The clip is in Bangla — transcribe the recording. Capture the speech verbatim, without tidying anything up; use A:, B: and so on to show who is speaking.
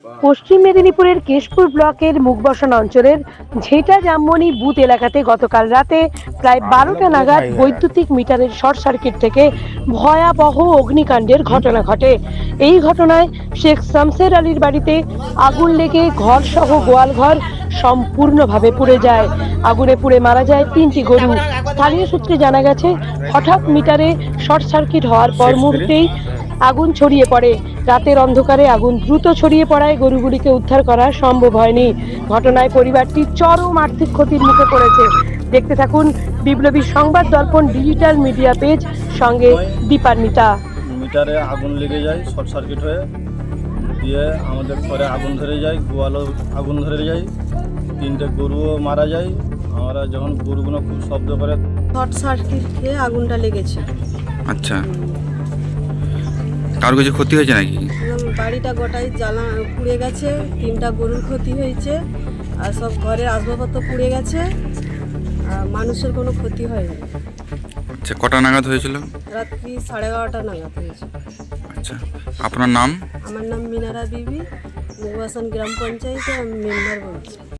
A: পশ্চিম মেদিনীপুরের কেশপুর ব্লকের মুখবসান অঞ্চলের ঝেঁটা জামমনি বুথ এলাকাতে গতকাল রাতে প্রায় বারোটা নাগাদ বৈদ্যুতিক মিটারের শর্ট সার্কিট থেকে ভয়াবহ অগ্নিকাণ্ডের ঘটনা ঘটে। এই ঘটনায় শেখ শামসের আলীর বাড়িতে আগুন লেগে ঘর সহ গোয়ালঘর সম্পূর্ণভাবে পুড়ে যায়। আগুনে পুড়ে মারা যায় তিনটি গরু। স্থানীয় সূত্রে জানা গেছে, হঠাৎ মিটারে শর্ট সার্কিট হওয়ার পর মুহূর্তেই আগুন ছড়িয়ে পড়ে। রাতের অন্ধকারে আগুন দ্রুত ছড়িয়ে পড়ায় গরুগুলিকে উদ্ধার করা সম্ভব হয়নি। ঘটনায় পরিবারটি চরম আর্থিক ক্ষতির মুখে পড়েছে। দেখতে থাকুন বিপ্লবী সংবাদ দর্পণ ডিজিটাল মিডিয়া পেজ, সঙ্গে দীপান্বিতা।
B: মিটারে আগুন লেগে যায় শর্ট সার্কিট হয়ে, দিয়ে আমাদের ঘরে আগুন ধরে যায়, গোয়ালও আগুন ধরে যায়, তিনটে গরুও মারা যায়। আমরা যখন গরুগুলো খুব শব্দ করে,
C: শর্ট সার্কিট খেয়ে আগুনটা লেগেছে।
D: আচ্ছা, কারো কিছু ক্ষতি হয়েছে নাকি?
C: এবং বাড়িটা গোটাই জ্বালা পুড়ে গেছে, তিনটা গরুর ক্ষতি হয়েছে, আর সব ঘরের আসবাবপত্র পুড়ে গেছে, আর মানুষের কোনো ক্ষতি হয়নি।
D: আচ্ছা, কটা নাগাদ হয়েছিল?
C: রাত্রি সাড়ে এগারোটা নাগাদ হয়েছে।
D: আচ্ছা, আপনার নাম?
C: আমার নাম মিনারা বিবি, মুখবাসান গ্রাম পঞ্চায়েতে আমি মেম্বার বলছি।